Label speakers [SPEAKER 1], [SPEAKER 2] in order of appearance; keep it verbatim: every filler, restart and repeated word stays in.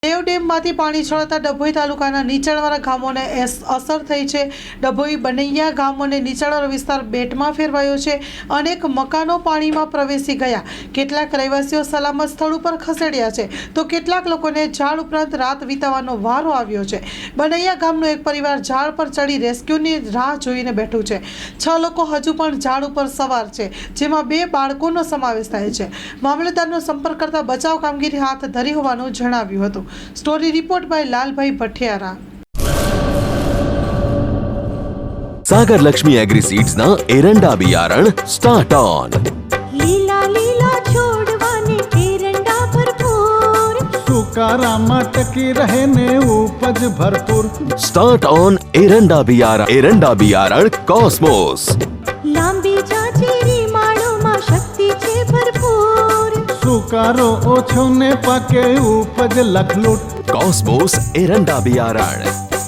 [SPEAKER 1] દેવ ડેમમાંથી પાણી છોડતા ડભોઈ તાલુકાના નીચાણવાળા ગામોને અસર થઈ છે। ડભોઈ બનૈયા ગામોને નીચાણવાળો વિસ્તાર બેટમાં ફેરવાયો છે। અનેક મકાનો પાણીમાં પ્રવેશી ગયા। કેટલાક રહેવાસીઓ સલામત સ્થળ ઉપર ખસેડ્યા છે, તો કેટલાક લોકોને ઝાડ ઉપરાંત રાત વિતાવવાનો વારો આવ્યો છે। બનૈયા ગામનો એક પરિવાર ઝાડ પર ચડી રેસ્ક્યુની રાહ જોઈને બેઠું છે। છ લોકો હજુ પણ ઝાડ ઉપર સવાર છે, જેમાં બે બાળકોનો સમાવેશ થાય છે। મામલતદારનો સંપર્ક કરતા બચાવ કામગીરી હાથ ધરી હોવાનું જણાવ્યું હતું। Story report by Lalbhai Bhathiyara.
[SPEAKER 2] Sagar Lakshmi agri seeds ना एरंडा बियारण स्टार्ट ऑन।
[SPEAKER 3] लीला लीला छोड़वाने एरंडा भरपूर,
[SPEAKER 4] सुकारामा टकी रहे ने उपज भरपूर।
[SPEAKER 2] स्टार्ट ऑन एरंडा बियारण एरंडा बियारण कॉस्मोस।
[SPEAKER 3] लांबी जाचेरी माळो मा शक्ति छे भरपूर,
[SPEAKER 4] सुकारो ओछो ने पाके उपज लखलूट।
[SPEAKER 2] कॉस्मोस एरंडा बियारण।